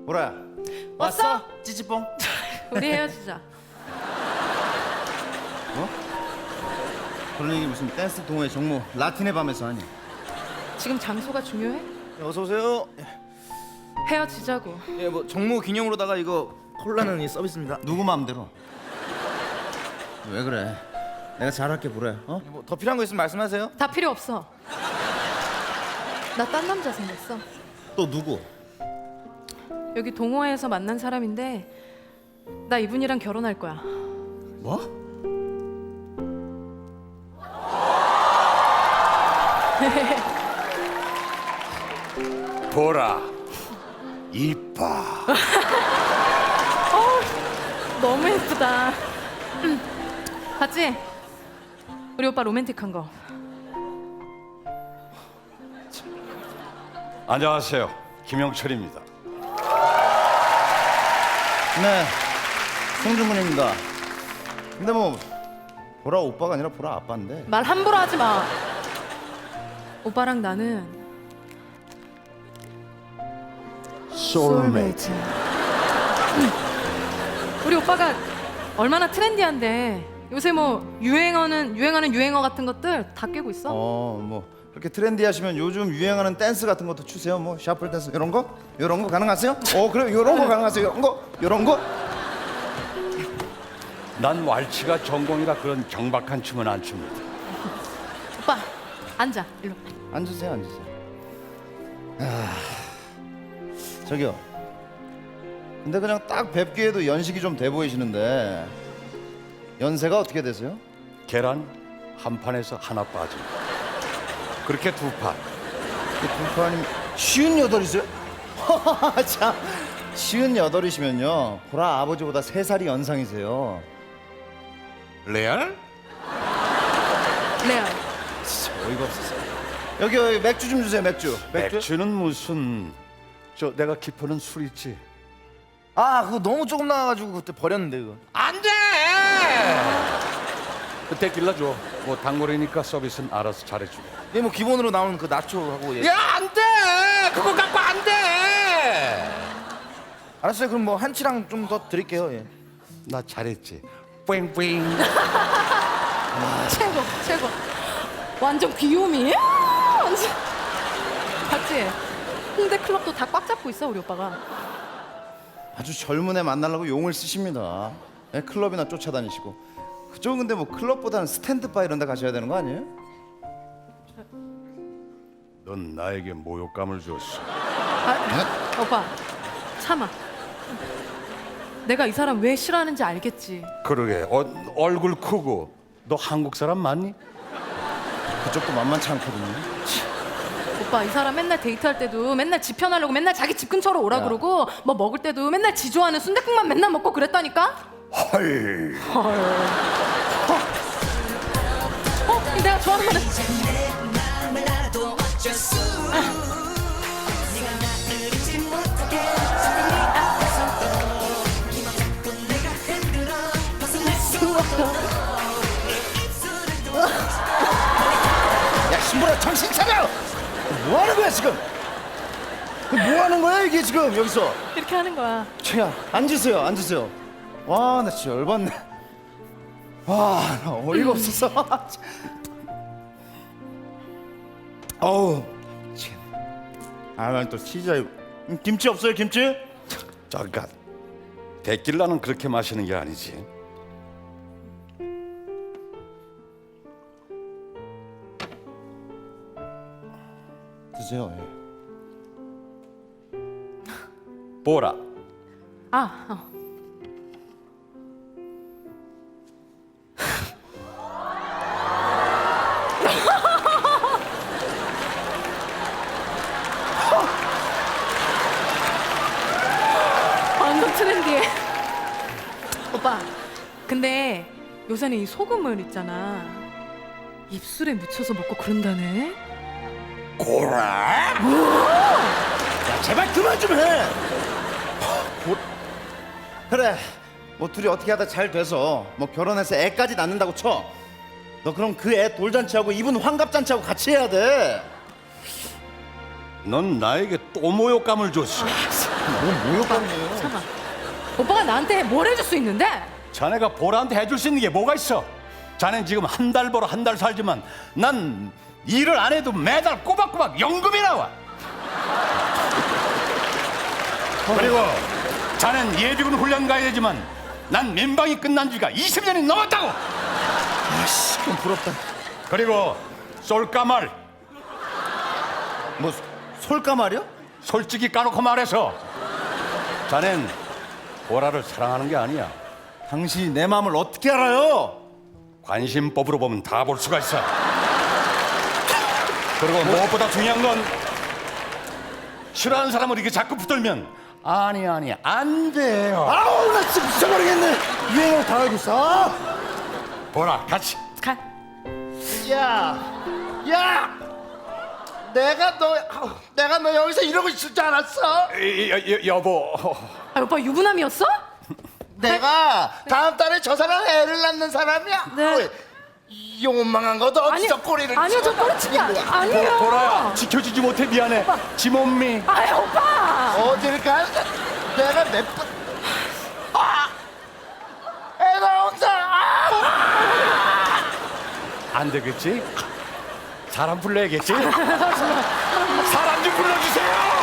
보라야. 왔어? 찌찌뽕. 우리 헤어지자. 뭐? 그런 얘기 무슨 댄스 동호회 정모 라틴의 밤에서 하니? 지금 장소가 중요해? 어서 오세요. 헤어지자고. 예, 뭐 정모 기념으로다가 이거 콜라는 이 서비스입니다. 누구 마음대로? 왜 그래? 내가 잘할게 보라야. 어? 뭐 더 필요한 거 있으면 말씀하세요. 다 필요 없어. 나 딴 남자 생겼어. 또 누구? 여기 동호회에서 만난 사람인데 나 이분이랑 결혼할 거야. 뭐? 보라 이뻐. 너무 예쁘다. 봤지? 우리 오빠 로맨틱한 거. 안녕하세요, 김영철입니다. 네, 송중근입니다. 근데 뭐 보라 오빠가 아니라 보라 아빠인데. 말 함부로 하지 마. 오빠랑 나는 소울메이트. 우리 오빠가 얼마나 트렌디한데 요새 뭐 유행하는 유행어 같은 것들 다 깨고 있어. 뭐 그렇게 트렌디하시면 요즘 유행하는 댄스 같은 것도 추세요. 뭐 샤플 댄스 이런 거 가능하세요? 그래 이런 거 가능하세요? 이런 거? 난 왈츠가 전공이라 그런 경박한 춤은 안 춥니다. 오빠 앉아 일로. 앉으세요. 저기요. 근데 그냥 딱 뵙기에도 연식이 좀 돼 보이시는데 연세가 어떻게 되세요? 계란 한 판에서 하나 빠진 그렇게 두 판. 두 판이면 58이세요? 참 58이시면요 보라 아버지보다 3살이 연상이세요. 레알? 레알. 진짜 어이가 없었어요. 여기 맥주 좀 주세요. 맥주는 무슨 저 내가 기포는 술 있지. 아, 그거 너무 조금 나와가지고 그때 버렸는데 그거. 안 돼. 그때 길러 줘. 뭐 단골이니까 서비스는 알아서 잘해주고. 예, 뭐 기본으로 나오는 그 나초하고 예. 야, 안 돼. 그거 갖고 안 돼. 알았어요. 그럼 뭐 한치랑 좀 더 드릴게요. 예. 나 잘했지. 뿌잉뿌잉. 최고. 완전 귀요미. 완전. 봤지? 홍대 클럽도 다 꽉 잡고 있어 우리 오빠가. 아주 젊은 애 만나려고 용을 쓰십니다. 예, 클럽이나 쫓아다니시고. 그쪽은 근데 뭐 클럽보다는 스탠드바 이런 데 가셔야 되는 거 아니에요? 넌 나에게 모욕감을 줬어. 오빠 참아. 내가 이 사람 왜 싫어하는지 알겠지. 그러게. 얼굴 크고. 너 한국 사람 맞니? 그쪽도 만만치 않거든요. 오빠 이 사람 맨날 데이트할 때도 맨날 지 편하려고 맨날 자기 집 근처로 오라 야. 그러고 뭐 먹을 때도 맨날 지 좋아하는 순댓국만 맨날 먹고 그랬다니까. 헐. 내가 좋아하는 거는 야 신보라 정신 차려! 뭐 하는 거야 지금? 뭐 하는 거야 이게 지금 여기서? 이렇게 하는 거야. 최야 앉으세요. 와 나 진짜 열받네. 와 나 어이가 없어서. 어우 참. 난 또 치즈. 김치 없어요 김치? 잠깐. 데킬라는 그렇게 마시는 게 아니지. 드세요. 예. 보라. 아, 완전 트렌디해. 오빠, 근데 요새는 이 소금을 있잖아. 입술에 묻혀서 먹고 그런다네. 고라? 야 제발 그만 좀 해. 그래 뭐 둘이 어떻게 하다 잘 돼서 뭐 결혼해서 애까지 낳는다고 쳐. 너 그럼 그 애 돌잔치하고 이분 환갑잔치하고 같이 해야 돼. 넌 나에게 또 모욕감을 줬어. 뭔 모욕감이에요? 잠깐. 오빠가 나한테 뭘 해줄 수 있는데? 자네가 보라한테 해줄 수 있는 게 뭐가 있어? 자넨 지금 한 달 벌어 한 달 살지만 난 일을 안 해도 매달 꼬박꼬박 연금이 나와. 그리고 자넨 예비군 훈련 가야 되지만 난 민방위 끝난 지가 20년이 넘었다고. 아씨, 좀 부럽다. 그리고 쏠까말 뭐 솔까말이요? 솔직히 까놓고 말해서 자넨 보라를 사랑하는 게 아니야. 당신이 내 마음을 어떻게 알아요? 관심법으로 보면 다 볼 수가 있어. 그리고 무엇보다 중요한 건 싫어하는 사람을 이렇게 자꾸 붙들면 아니 안 돼요. 아우, 나 진짜 미쳐버리겠네. 유행을 다 알고 있어. 보라 같이. 가. 야, 내가 너 여기서 이러고 있을 줄 알았어? 여보. 아, 오빠 유부남이었어? 내가 다음 달에 저 사람 애를 낳는 사람이야. 네. 이 원망한 것도 어디서 꼬리를 아니요, 저 치고 꼬리치기 아니에요. 보라야 지켜주지 못해 미안해. 지몸미. 아이, 오빠. 어딜 가? 내가 몇 번? 애 나온다. 안 되겠지? 사람 불러야겠지? 사람 좀 불러주세요.